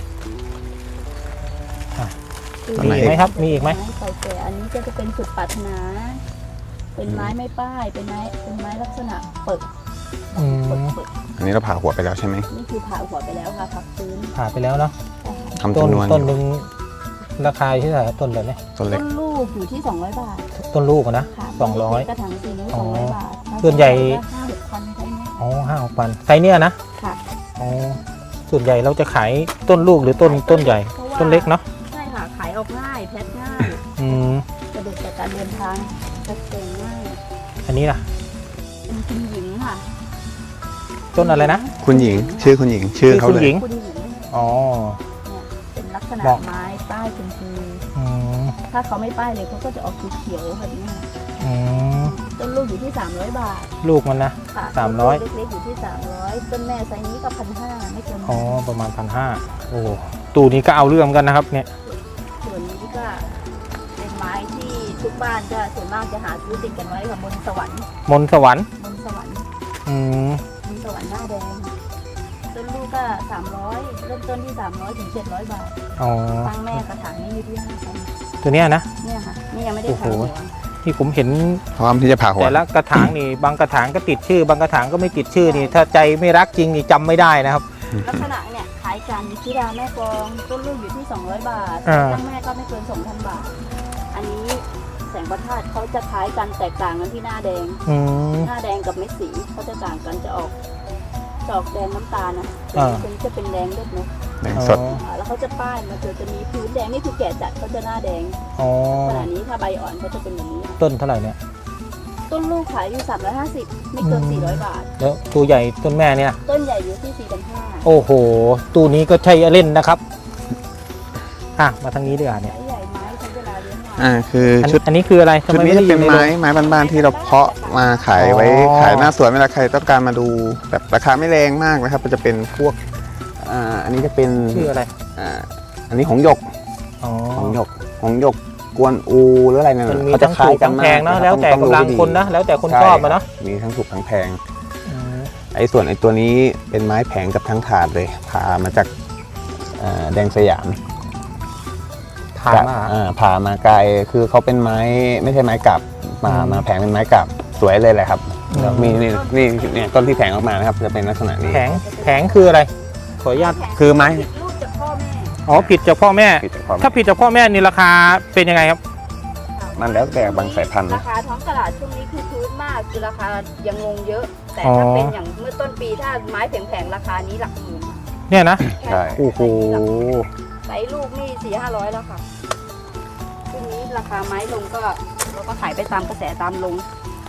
Speaker 1: ต้น
Speaker 2: มี
Speaker 1: ไหน
Speaker 2: อีกไหมครับ มีอีกไหม
Speaker 3: ไม้เก่าแก่อันนี้ก็จะเป็นสุดปรารถนา เป็นไม้ไม่ป้าย เป็นไม้ลักษณะเปิด
Speaker 2: อืม
Speaker 3: เปิด
Speaker 1: อันนี้เราผ่าหัวไปแล้วใช่ไหม
Speaker 3: นี่คือผ่าหัวไปแล้วค่ะพักฟื้น
Speaker 2: ผ่าไปแล้วเนาะ
Speaker 1: ทำ
Speaker 2: ต้น
Speaker 1: จำนวน
Speaker 2: ต้นหนึ่งราคาอยู่ที่เท่าไหร่ต้นแบบนี้
Speaker 1: ต้นเล็
Speaker 3: ต้
Speaker 1: ก
Speaker 3: นลูกอยู่ที่200 บาท
Speaker 2: ต้นลูกอะนะ
Speaker 3: ค่ะ
Speaker 2: 200
Speaker 3: กระถางสีนี้
Speaker 2: อ๋อ
Speaker 3: 200 บาท
Speaker 2: ส่วนใหญ่
Speaker 3: 5-6 พันใช่ไหม
Speaker 2: อ๋อ5,000ไซส์เนี้ยนะ
Speaker 3: ค่ะ
Speaker 2: อ๋อส่วนใหญ่เราจะขายต้นลูกหรือต้นใหญ่
Speaker 3: พราะว่า
Speaker 2: ต้นเล็กเนาะ
Speaker 3: ใช่ค่ะ ขายออกง่าย แพ็คง่าย
Speaker 2: อืม
Speaker 3: สะดวกต่อการเดินทางจัดเต็มง่าย
Speaker 2: อันนี้ล่ะ
Speaker 3: เป็นคุณหญิงค่ะ
Speaker 2: ต้นอะไรนะ
Speaker 1: คุณหญิง ชื่อคุณหญิง ชื่อเขา
Speaker 2: คุณ
Speaker 1: เลย
Speaker 2: หญิง
Speaker 3: คุณหญิง
Speaker 2: อ๋อ
Speaker 3: เนี่ยเป็นลักษณะ
Speaker 2: บอก
Speaker 3: ไม้ป้ายชมพู
Speaker 2: อืม
Speaker 3: ถ้าเขาไม่ป้ายเลยเขาก็จะออกสีเขียวแบบนี้
Speaker 2: อืม
Speaker 3: ต้นลูกอยู่ที่300 บาท
Speaker 2: ลูกมันนะ
Speaker 3: ค่ะ
Speaker 2: 300
Speaker 3: ต้นลูกเล็กๆอยู่ที่300ต้นแม่ไซส์นี้ก็1,500ไม่เกิน
Speaker 2: อ๋อประมาณ1,500โอ้ตู้นี้ก็เอาเรื่องกันนะครับเนี่ย
Speaker 3: ส่วนนี้ก็เป็นไม้ที่ทุกบ้านจะส่วนมากจะหาซื้อติดกันไว้ค่ะบนสวรรค์
Speaker 2: มนต์สวรรค์
Speaker 3: บนสวรรค์
Speaker 2: อืม
Speaker 3: บนสวรรค์หน้าแดงต้นลูกก็300เริ่มต้นที่300 ถึง 700 บาท
Speaker 2: อ๋อ
Speaker 3: ตั้งแม่กระถางนี้อยู่ที่5,000
Speaker 2: ตัวเนี้ยนะ
Speaker 3: เนี่ยค่ะนี่ยังไม่ได้
Speaker 2: โอ้โห
Speaker 3: ทำหัว
Speaker 2: ที่ผมเห็น
Speaker 1: พร้อมที่จะผ่าหัว
Speaker 2: แต่ละกระถางนี่ บางกระถางก็ติดชื่อ บางกระถางก็ไม่ติดชื่อนี่ ถ้าใจไม่รักจริงนี่จำไม่ได้นะครับ
Speaker 3: ลักษณะเนี่ยขายกันธิดาแม่กลองต้นลูกอยู่ที่200 บาท
Speaker 2: อ่า
Speaker 3: ตั้งแม่ก็ไม่เกิน 2,000 บาท อันนี้แสงประทาดเขาจะคล้ายกันแตกต่างกันที่หน้าแดง
Speaker 2: อืม
Speaker 3: หน้าแดงกับเม็ดสีเขาจะต่างกันจะออกแดงน้ำตาลนะ
Speaker 2: อ่า
Speaker 3: ตรงนี้จะเป็นแดงเลือดนก
Speaker 1: แดงสด
Speaker 3: แล้วเขาจะป้ายมาจะมีพื้นแดงนี่คือแก่จัดเขาจะหน้าแดง
Speaker 2: อ๋อ
Speaker 3: ขณะนี้ถ้าใบอ่อนเขาจะเป็นแบบนี้
Speaker 2: ต้นเท่าไหร่เนี่ย
Speaker 3: ต้นลูกขายอยู่350ไม่เกิน400 บาท
Speaker 2: แล้วตัวใหญ่ต้นแม่เนี่ย
Speaker 3: ต้นใหญ่อยู่ที่4,500
Speaker 2: โอ้โห ตู้นี้ก็ใช่เล่นนะครับ อ่ะ มาทางนี้ดีกว่าเนี่ย
Speaker 3: ไม้ใหญ่ไม้ใช้เวลาเลี้ยงนาน
Speaker 1: คือ
Speaker 2: อัน
Speaker 1: ชุด
Speaker 2: อันนี้คืออะไรทำ
Speaker 1: ชุด
Speaker 2: ไม
Speaker 1: นี้
Speaker 2: ไม่
Speaker 1: จะ
Speaker 2: ได้อ
Speaker 1: เป็น
Speaker 2: ยู่ในโร
Speaker 1: ไม้
Speaker 2: ง
Speaker 1: บ้านๆที่เราเพาะมาขายไว้
Speaker 2: อ๋อ
Speaker 1: ขายหน้าสวนเวลาใครต้องการมาดูแบบราคาไม่แรงมากนะครับมันจะเป็นพวกอันนี้จะเป็น
Speaker 2: ชื่ออะไร
Speaker 1: อันนี้หงส์หยก
Speaker 2: อ๋อ
Speaker 1: หงส์หยกกวนอูหรืออะไรนั่น
Speaker 2: มันมี
Speaker 1: เขาจะ
Speaker 2: ทั้ง
Speaker 1: คล้า
Speaker 2: ถู
Speaker 1: ย
Speaker 2: ก
Speaker 1: กัน
Speaker 2: ทั้ง
Speaker 1: มา
Speaker 2: แพ
Speaker 1: ก
Speaker 2: งเนาะ
Speaker 1: รับ
Speaker 2: แล้วแต่
Speaker 1: ต้อง
Speaker 2: กำลัง
Speaker 1: ดูดี
Speaker 2: คนนะ แล้วแต่คน
Speaker 1: ใช่
Speaker 2: ชอบอะเนาะ
Speaker 1: มีทั้งถูกทั้งแพง
Speaker 2: อืม
Speaker 1: ส่วนไอ้ตัวนี้เป็นไม้แผงกับทั้งถาดเลยผ่ามาจากแดงสยาม
Speaker 2: ถามมา
Speaker 1: ผ่ามาไกลคือเขาเป็นไม้ไม่ใช่ไม้กลับมาแผงเป็นไม้กลับสวยเลยแหละครับแล้วมีนี่เนี่ยต้นที่แผงออกมานะครับจะเป็นลักษณะนี้
Speaker 2: แผงคืออะไร ขออนุญาต
Speaker 1: คือไม้
Speaker 3: ผิดลูกจากพ่อแม่
Speaker 2: อ๋อ ผิดจากพ่อแม่
Speaker 1: ผิดจากความ
Speaker 2: ถ้าผิดจากพ่อแม่นี่ราคาเป็นยังไงครับ
Speaker 1: มันแล้วแต่บางสายพันธุ์
Speaker 3: รา
Speaker 1: นะ
Speaker 3: คาท้องตลาดช่วงนี้คือพื้นมากคือราคายังงงเยอะ แต่
Speaker 2: อ๋อ
Speaker 3: ถ้าเป็นอย่างเมื่อต้นปีถ้าไม้แผงๆราคานี้หลักหมื่น
Speaker 2: เนี่ยนะ
Speaker 1: ใช่
Speaker 2: โอ้โห
Speaker 3: ไซส์ลูกนี่400-500แล้วค่ะช่วงนี้ราคาไม้ลงก็เราก็ขายไปตามกระแสตามลง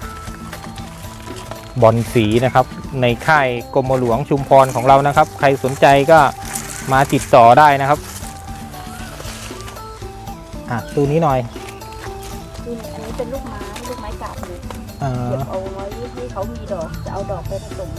Speaker 2: บอลสีนะครับ ในค่ายกรมหลวงชุมพรของเรานะครับ ใครสนใจก็มาติดต่อได้นะครับ อ่ะตู้นี้หน่อย
Speaker 3: คืออันนี้เป็นลูกไม้กาบเลย
Speaker 2: อ่า
Speaker 3: เก็บเอาไว้ที่เขามีดอกจะเอาดอกไปผสม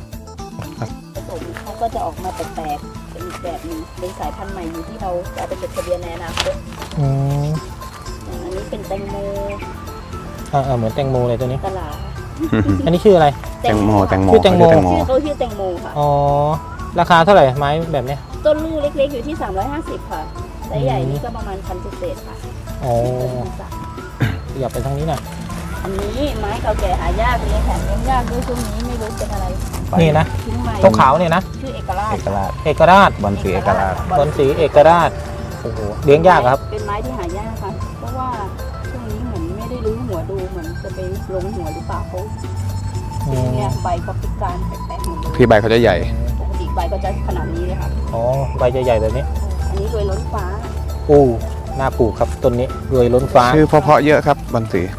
Speaker 3: เขาก็จะออกมาแปลกๆเป็นอีกแบบหนึงเป็นสายพันธุ์ใหม่อยู่ที่เราจะเอาไปจดทะเบียนในอนาคต
Speaker 2: อืม
Speaker 3: อย่างอันนี้เป็นแตงโม
Speaker 2: เหมือนแตงโมเลยตัวนี้
Speaker 3: กะลา
Speaker 2: อันนี้ชื่ออะไร
Speaker 1: แตงโม
Speaker 2: ชื่อแตงโม
Speaker 3: ชื่อเขาชื่อแตงโมค่ะ
Speaker 2: อ๋อ ราคาเท่าไหร่ไม้แบบเนี้ย
Speaker 3: ต้นลูกเล็กๆอยู่ที่350ค่ะไซส์ใหญ่นี่ก็ประมาณ1,000 เศษๆค่ะ
Speaker 2: อ๋อ
Speaker 3: เป็นพันสาม
Speaker 2: อย่าไปทางนี้หน่อย
Speaker 3: อันนี้ไม้เก่าแก่หายากเลยแถมเลี้ยงยากด้วยช่วงนี้ไม่รู้เป็นอะไร
Speaker 2: นี่นะ
Speaker 3: ทิ้งใหม่
Speaker 2: ตัวขาวเนี่ยนะ
Speaker 3: ชื่อเอกราช
Speaker 1: เอกราช
Speaker 2: เอกราช
Speaker 1: บอลสีเอกราช
Speaker 2: บอลสีเอกราช โอ้โห เลี้ยงยากอะครับ
Speaker 3: เป็นไม้ที่หายากค่ะ เพราะว่าช่วงนี้เหมือนไม่ได้รื้อหัวดูเหมือนจะไปลงหัวหรือเปล่าเขาเนี่ยใบเขาพิการแปลกๆหมดเลย
Speaker 1: ที่ใบเขาจะใหญ่
Speaker 3: ปกติใบก็จะขนาดนี้เลยค่ะ
Speaker 2: อ๋อใบจะใหญ่แบบนี้
Speaker 3: อันนี้รวยล้นฟ้า
Speaker 2: โอ้น่าปลูกครับต้นนี้รวยล้นฟ้า
Speaker 1: ชื่อเพราะๆเยอะครับบอลสี
Speaker 3: ล้น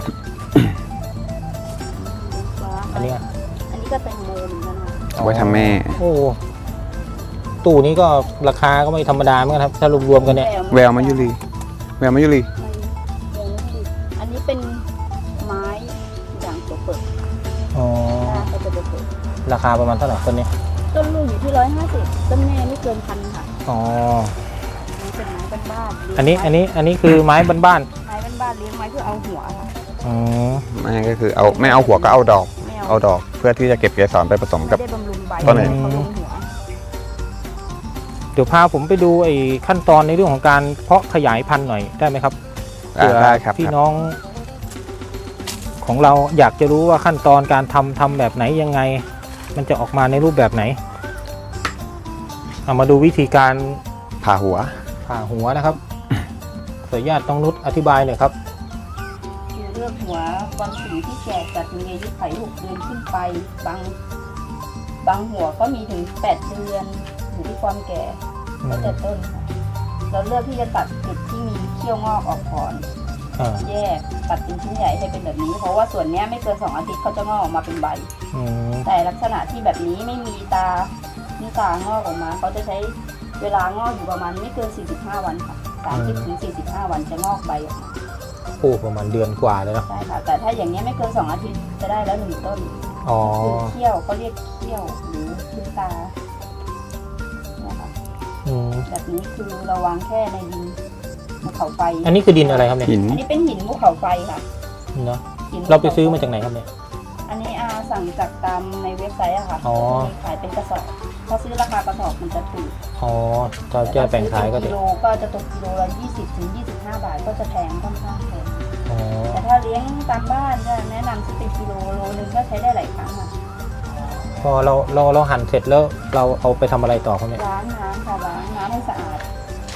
Speaker 3: ฟ้า
Speaker 2: อันนี้
Speaker 3: อันนี้ก็แตงโมเหมือนกันค่ะ
Speaker 1: เอาไว้ทำแม่
Speaker 2: โอ้ตู้นี้ก็ราคาก็ไม่ธรรมดาเหมือนกันครับถ้ารวมๆกันเนี่ย
Speaker 1: แววมายุรีแววมายุรี
Speaker 3: อันนี้เป็นไม้ด่างตัวเปิด
Speaker 2: อ๋อ
Speaker 3: ก็จะเปิด
Speaker 2: ราคาประมาณเท่าไหร่ต้นนี้
Speaker 3: ต้นลูกอยู่ที่150ต้นแม่ไม่เกิน1,000ค่ะ
Speaker 2: อ๋อ
Speaker 3: นี่เป็นไม้บ้านๆ
Speaker 2: อันนี้คือไม้บ้าน
Speaker 3: ไม้บ้านๆเลี้ยงไว้เพื่อเอาหัวค่ะ
Speaker 2: ๆอ๋อ
Speaker 1: ไม่ก็คือเอาไม่เอาหัวก็เอาดอก
Speaker 3: ไม่
Speaker 1: เอาดอกเพื่อที่จะเก็บเกสรไปผสมกับ
Speaker 3: ไม่ได้บำรุงใบ
Speaker 1: ต้นไหน
Speaker 3: เขาลงหัว
Speaker 2: เดี๋ยวพาผมไปดูไอ้ขั้นตอนในเรื่องของการเพาะขยายพันธุ์หน่อยได้ไหมครับ
Speaker 1: ได้ครับ
Speaker 2: พี่น้อง ของเราอยากจะรู้ว่าขั้นตอนการทำแบบไหนยังไง มันจะออกมาในรูปแบบไหนเอามาดูวิธีการ
Speaker 1: ผ่าหัว
Speaker 2: ผ่าหัวนะครับ ขออนุญาตต้องนุชอธิบายหน่อยครับ
Speaker 3: คือเลือกหัวบางสีที่แก่จัดมีอายุไข6 เดือนขึ้นไปบางหัวก็มีถึง8 เดือนอยู่ที่ความแก่แล้วแต่ต้นค่ะเราเลือกที่จะตัดจุดที่มีเขี้ยวงอกออกก่อน
Speaker 2: อ่า
Speaker 3: แยกตัดเป็นชิ้นใหญ่ให้เป็นแบบนี้ เพราะว่าส่วนเนี้ยไม่เกิน2 อาทิตย์เขาจะงอกออกมาเป็นใบ
Speaker 2: อืม
Speaker 3: แต่ลักษณะที่แบบนี้ไม่มีตานี่ตางอกออกมาเขาจะใช้เวลางอกอยู่ประมาณไม่เกิน45 วันค่ะ30 ถึง 45 วันจะงอกใบออกมา
Speaker 2: โอ้ประมาณเดือนกว่าเลยเนาะ
Speaker 3: ใช่ค่ะแต่ถ้าอย่างนี้ยไม่เกิน2 อาทิตย์จะได้แล้ว1 ต้น
Speaker 2: อ๋อ
Speaker 3: คือเขี้ยวเขาเรียกเขี้ยวหรือขึ้นตาเนี่ยค่ะ
Speaker 2: อืม
Speaker 3: แบบนี้คือเราวางแค่ในดินภูเขาไฟ
Speaker 2: อันนี้คือดินอะไรครับเนี่ย
Speaker 1: หิน
Speaker 3: อันนี้เป็นหินภูเขาไฟค่ะ
Speaker 2: เนาะ
Speaker 3: หินภูขฟ
Speaker 2: เราไปซื้อมาจากไหนครับเนี่ย
Speaker 3: อันนี้สั่งจากตามในเว็บไซต์อะค่ะ
Speaker 2: อ๋อ
Speaker 3: มีขายเป็นกระสอบถ้าซื้อราคากระสอบมันจะถูก
Speaker 2: อ๋อถ้าจะแบ่งขายก็
Speaker 3: กิ
Speaker 2: จะ
Speaker 3: โลก็จะตกกิโลละ20 ถึง 25 บาทก็จะแพงค่อนข้างแพง
Speaker 2: อ๋อ
Speaker 3: แต่ถ้าเลี้ยงตามบ้านก็แนะนำซื้อเป็นกิโลโลนึงก็ใช้ได้หลายครั้งอะ
Speaker 2: พอเราหั่นเสร็จแล้วเราเอาไปทำอะไรต่อครับเนี่ย
Speaker 3: ล้างน้ำค่ะล้างน้ำให้สะอาด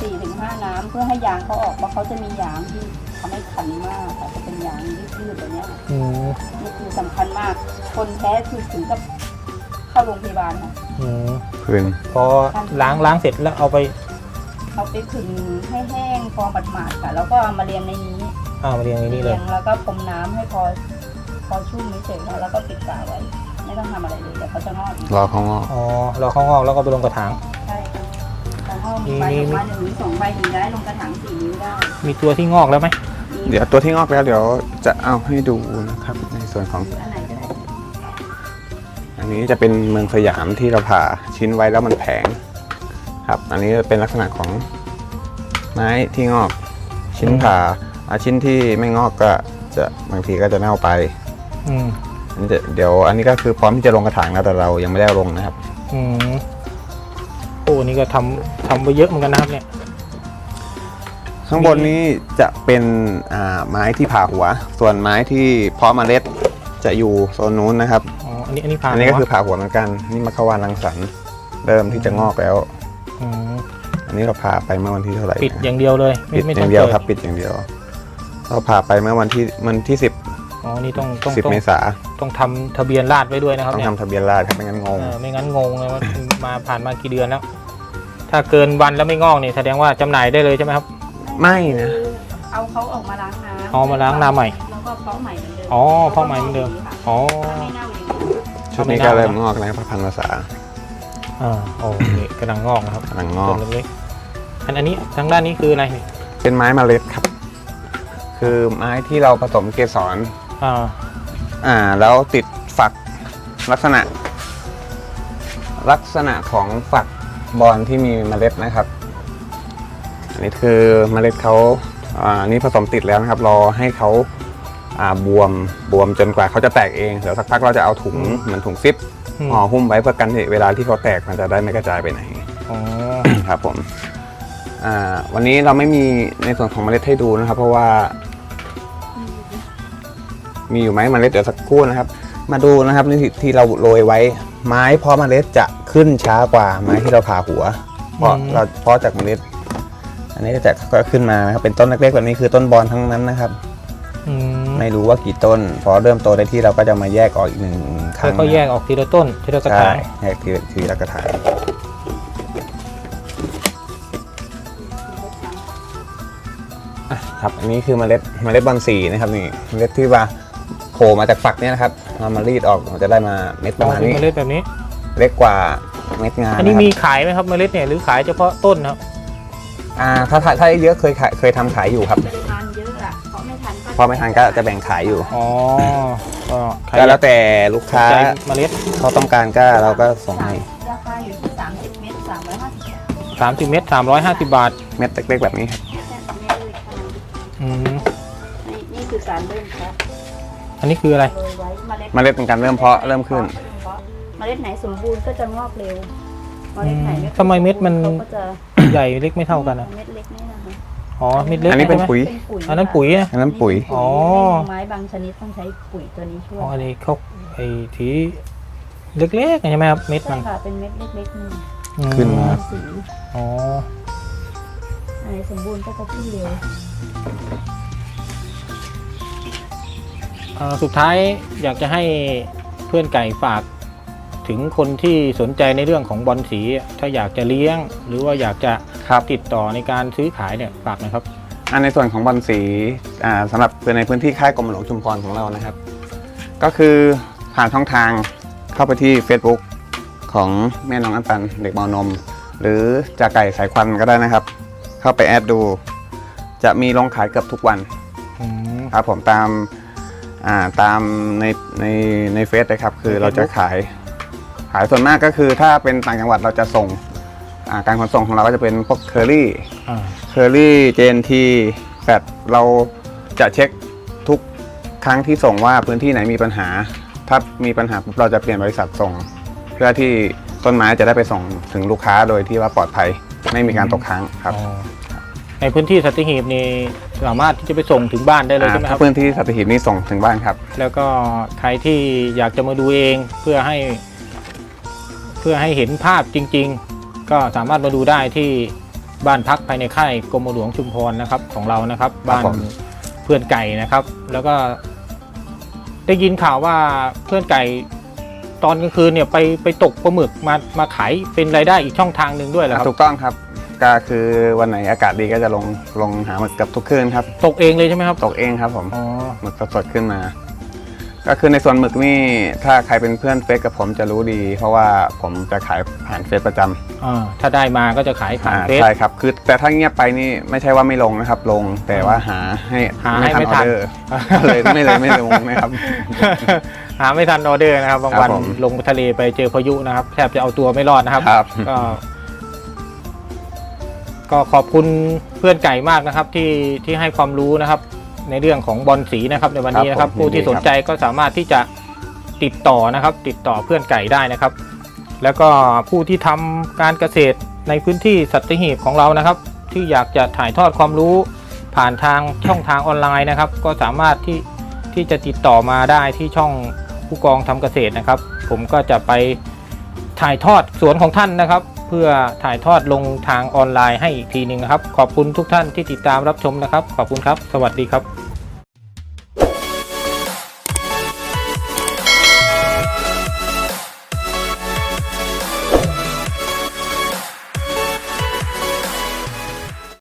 Speaker 3: 4-5 น้ำเพื่อให้ยางเขาออกเพราะเขาจะมียางที่ทำให้คันมากค่ะจะเป็นยางยืดๆแบบเนี้ยค่ะ
Speaker 2: อืม
Speaker 3: นี่คือสำคัญมาก คนแพ้คือถึงกับเข้าโรงพยาบาลค่ะ
Speaker 2: อืม
Speaker 1: พื้น
Speaker 2: พอล้างเสร็จแล้วเอาไป
Speaker 3: เอาไปขึงให้แห้งพอหมาดๆค่ะ แล้วก็เอามาเรียงในนี้
Speaker 2: มาเรียงในนี้เลย
Speaker 3: แล้วก็พรมน้ำให้พอชุ่มเฉยๆค่ะแล้วก็ปิดฝาไว้ ไม่ต้องทำอะไรเลยเดี๋ยวเขาจะงอกอีก
Speaker 1: รอเขางอก
Speaker 2: อ๋อเราเข้างอกแล้วก็ไปลงกระถาง
Speaker 3: ใช่ค่ะแต่ห้องมีใบออกมา1 หรือ 2 ใบถึงได้ลงกระถาง4 นิ้วได้
Speaker 2: มีตัวที่งอกแล้วไหม
Speaker 1: เดี๋ยวตัวที่งอกแล้วเดี๋ยวจะเอาให้ดูนะครับ ในส่วนของ
Speaker 3: อันไหนก็ได้
Speaker 1: อันนี้จะเป็นเมืองสยามที่เราผ่าชิ้นไว้แล้วมันแผงครับ อันนี้เป็นลักษณะของไม้ที่งอกชิ้นผ่าชิ้นที่ไม่งอกก็จะบางทีก็จะเน่าไป
Speaker 2: อืม
Speaker 1: อันนี้เดี๋ยวอันนี้ก็คือพร้อมที่จะลงกระถางแล้วแต่เรายังไม่ได้เอาลงนะครับ
Speaker 2: อืมโอ้นี่ก็ทำไปเยอะเหมือนกันนะครับเนี่ย
Speaker 1: ข้างบนนี้จะเป็นไม้ที่ผ่าหัว ส่วนไม้ที่เพาะเมล็ดจะอยู่โซนนู้นนะครับ
Speaker 2: อ๋ออันนี้ผ่าน
Speaker 1: อันนี้ก็คือผ่าหัวเหมือนกันนี่มัคควานรังสรรค์เริ่มที่จะงอกแล้ว
Speaker 2: ม
Speaker 1: อันนี้เราผ่าไปเมื่อวันที่เท่าไหร่
Speaker 2: ปิดอย่างเดียวเลย
Speaker 1: ปิด
Speaker 2: ไม่
Speaker 1: อ
Speaker 2: ต้
Speaker 1: ย่างเดียวครับปิดอย่างเดียว เราผ่าไปเมื่อวันที่10
Speaker 2: อ๋อนี่ต้อง
Speaker 1: 10 เมษา
Speaker 2: ต้องทำทะเบียนราษฎร์ไว้ด้วยนะครับ
Speaker 1: ต้อง
Speaker 2: เนี่ย
Speaker 1: ทำทะเบียนราษฎร์ครับไม่งั้นงง
Speaker 2: ไม่งั้นงงเลยว่ามาผ่านมากี่เดือนแล้ว ถ้าเกินวันแล้วไม่งอกนี่แสดงว่าจำหน่ายได้เลยใช่ไหมครับ
Speaker 1: ไม่นะ
Speaker 3: เอาเขาออกมาล้างน้ำ
Speaker 2: เอามาล้างน้ำใหม่
Speaker 3: แล้วก็เพาะใหม่เหมือนเดิม
Speaker 2: อ๋อเพาะใหม่เหมือนเดิม อ๋อ
Speaker 3: ถ้าไม่เน่าอย่างนี้
Speaker 1: ชุดนี้ก็เริ่มงอกแล้วพระพันภาษา
Speaker 2: โอ้นี่กำลังงอกนะครับ
Speaker 1: กำลังงอก
Speaker 2: ต้นเล็กๆอันนี้ทางด้านนี้คืออะไรนี่
Speaker 1: เป็นไม้เมล็ดครับ คือไม้ที่เราผสมเกสร แล้วติดฝักลักษณะของฝักบอลที่มีเมล็ดนะครับ อันนี้คือเมล็ดเขานี่ผสมติดแล้วนะครับ รอให้เขาบวมจนกว่าเขาจะแตกเองเดี๋ยวสักพักเราจะเอาถุงเหมือนถุงซิปห่อหุ้มไว้เพื่อกันเวลาที่เขาแตกมันจะได้ไม่กระจายไปไหน
Speaker 2: อ๋อ
Speaker 1: ครับผมวันนี้เราไม่มีในส่วนของเมล็ดให้ดูนะครับ เพราะว่า มีอยู่ไหมเมล็ดเดี๋ยวสักครู่นะครับ มาดูนะครับนี่ที่เราโรยไว้ไม้เพาะเมล็ดจะขึ้นช้ากว่าไม้ที่เราผ่าหัว เพราะเราเพาะจากเมล็ด อันนี้ก็จะค่อยๆขึ้นมานะครับเป็นต้นเล็กๆแบบนี้คือต้นบอลทั้งนั้นนะครับ ไม่รู้ว่ากี่ต้นพอเริ่มโตได้ที่เราก็จะมาแยกออกอีก1 ครั้ง
Speaker 2: ก็แยกออกทีละต้นทีละกระถา
Speaker 1: ใช่
Speaker 2: ง
Speaker 1: แยกทีละกระถางครับอันนี้คือเมล็ดบอลสีนะครับนี่เมล็ดที่ว่าโผล่มาจากฝักเนี่ยนะครับมารีดออกมันจะได้มาเม็ดประมาณนี้
Speaker 2: เมล็ดแบบนี้
Speaker 1: เล็กกว่าเม็ดงา
Speaker 2: อันนี้
Speaker 1: ะครับ
Speaker 2: มีขายไหมครับเมล็ดเนี่ยหรือขายเฉพาะต้นครับ
Speaker 1: ถ้าเยอะเคยทำขายอยู่ครับ
Speaker 3: ปริมาณเยอะอะเพราะไม่ทัน
Speaker 1: พอไม่ทันก็จะแบ่งขายอยู่
Speaker 2: อ๋อก็ใคร
Speaker 1: ก็แล้วแต่ลูกค้า
Speaker 2: ใจเมล็ด
Speaker 1: เขาต้องการก็เราก็ส่งให้
Speaker 3: ราคาอยู่ที่30 เมตร 350
Speaker 2: 30 เม็ด350 บาท
Speaker 1: เม็ดเล็กๆแบบนี้ครับ
Speaker 3: เมตรเลยค่ะ
Speaker 2: อืม
Speaker 3: นี่คือการเริ่มเพาะ
Speaker 2: อันนี้คืออะไร
Speaker 3: โรยไว้เมล็ด
Speaker 1: เมล็ดเป็นการเริ่มเพาะเริ่มขึ้น
Speaker 3: เมล็ดไหนสมบูรณ์ก็จะงอกเร็วเมล็ดไหนไม่
Speaker 2: ทำไมเม็ดมัน
Speaker 3: เขาก็จะ
Speaker 2: ใหญ่เล็กไม่เท่ากันอ่ะ
Speaker 3: เม็ดเล็กนี่นะคะ
Speaker 2: อ๋อเม็ดเล็ก
Speaker 1: อันนี้เป็น
Speaker 2: ใช่ไหม
Speaker 1: ปุ๋ย
Speaker 3: เป็นปุ๋ย
Speaker 2: อันนั้นปุ๋ยนะ
Speaker 1: อันนั้นปุ๋ย
Speaker 2: อ๋อ
Speaker 3: ไม้บางชนิดต้องใช้ปุ๋ยตัวนี้ช่วย
Speaker 2: อ๋ออันนี้เขาไอ้ทีเล็กๆใช่ไหมครับเม็ด
Speaker 3: ใช่
Speaker 2: มัน
Speaker 3: ค่ะเป็นเม็ดเล็กๆนี่
Speaker 2: อืม
Speaker 1: ขึ้นมา
Speaker 3: สี
Speaker 2: อ๋อ
Speaker 3: อันไหนสมบูรณ์ก็จะขึ้นเร็ว
Speaker 2: สุดท้ายอยากจะให้เพื่อนไก่ฝากถึงคนที่สนใจในเรื่องของบอลสีถ้าอยากจะเลี้ยง หรือว่าอยากจะ
Speaker 1: ครับ
Speaker 2: ติดต่อในการซื้อขายเนี่ยฝากหนะครับ
Speaker 1: ในส่วนของบอลสีสำหรับในพื้นที่ค่ายกรมหลวงชุมพรของเรานะครับ ก็คือผ่านช่องทางเข้าไปที่ Facebook ของแม่น้องอันปันเด็กมอนม หรือจ่าไก่สายควันก็ได้นะครับ เข้าไปแอดดู จะมีลงขายเกือบทุกวัน
Speaker 2: อืม
Speaker 1: ครับผมตามในเฟซเลยครับ คือเราจะขายส่วนมากก็คือถ้าเป็นต่างจังหวัดเราจะส่งการขนส่งของเราก็จะเป็นพวกเคอรี่
Speaker 2: อ่า
Speaker 1: เคอรี่เจนทีแฟดเราจะเช็คทุกครั้งที่ส่งว่าพื้นที่ไหนมีปัญหา ถ้ามีปัญหาปุ๊บเราจะเปลี่ยนบริษัทส่ง เพื่อที่ต้นไม้จะได้ไปส่งถึงลูกค้าโดยที่ว่าปลอดภัยไม่มีการตกค้างครับ
Speaker 2: อ๋อในพื้นที่สัตหีบนี่สามารถที่จะไปส่งถึงบ้านได้เลยใช่ไหมค
Speaker 1: ถ้า
Speaker 2: รับ
Speaker 1: พื้นที่สัตหีบนี่ส่งถึงบ้านครับ
Speaker 2: แล้วก็ใครที่อยากจะมาดูเองเพื่อให้เห็นภาพจริง ๆ ก็สามารถมาดูได้ที่บ้านพักภายในค่ายกรมหลวงชุมพรนะครับของเรานะครับบ้าน
Speaker 1: ผม
Speaker 2: เพื่อนไก่นะครับ แล้วก็ได้ยินข่าวว่าเพื่อนไก่ตอนกลางคืนเนี่ยไปตกปลาหมึกมาขายเป็นรายได้อีกช่องทางหนึ่งด้วยเหรอครับ
Speaker 1: ถูกต้องครับก็คือวันไหนอากาศดีก็จะลงหาหมึกกับทุกคืนครับ
Speaker 2: ตกเองเลยใช่ไหมครับ
Speaker 1: ตกเองครับผม
Speaker 2: อ๋อ
Speaker 1: หมึกสดๆขึ้นมา ก็คือในส่วนหมึกนี่ถ้าใครเป็นเพื่อนเฟซกับผมจะรู้ดี เพราะว่าผมจะขายผ่านเฟซประจำ
Speaker 2: ถ้าได้มาก็จะขายผ่านเฟซ
Speaker 1: ใช่ครับคือแต่ถ้าเงียบไปนี่ไม่ใช่ว่าไม่ลงนะครับ ลงแต่ว่าหาให้
Speaker 2: ไม่ทัน
Speaker 1: ออเดอร์เลยไม่ลงนะครับ
Speaker 2: หาไม่ทันออเดอร์นะครับบางวัน
Speaker 1: ครับผม
Speaker 2: ลงทะเลไปเจอพายุนะครับแทบจะเอาตัวไม่รอดนะครับ
Speaker 1: ครับ
Speaker 2: ก็ขอบคุณเพื่อนไก่มากนะครับที่ให้ความรู้นะครับ ในเรื่องของบอลสีนะครับในวันนี้นะครับ
Speaker 1: ครับผม
Speaker 2: ผู้ที่สนใจก็สามารถที่จะติดต่อนะครับ ติดต่อเพื่อนไก่ได้นะครับ แล้วก็ผู้ที่ทำการเกษตรในพื้นที่สัตหีบของเรานะครับ ที่อยากจะถ่ายทอดความรู้ผ่านทางช่องทางออนไลน์นะครับ ก็สามารถที่จะติดต่อมาได้ที่ช่องผู้กองทำเกษตรนะครับ ผมก็จะไปถ่ายทอดสวนของท่านนะครับ เพื่อถ่ายทอดลงทางออนไลน์ให้อีกทีหนึ่งนะครับ ขอบคุณทุกท่านที่ติดตามรับชมนะครับ ขอบคุณครับ สวัสดีครับ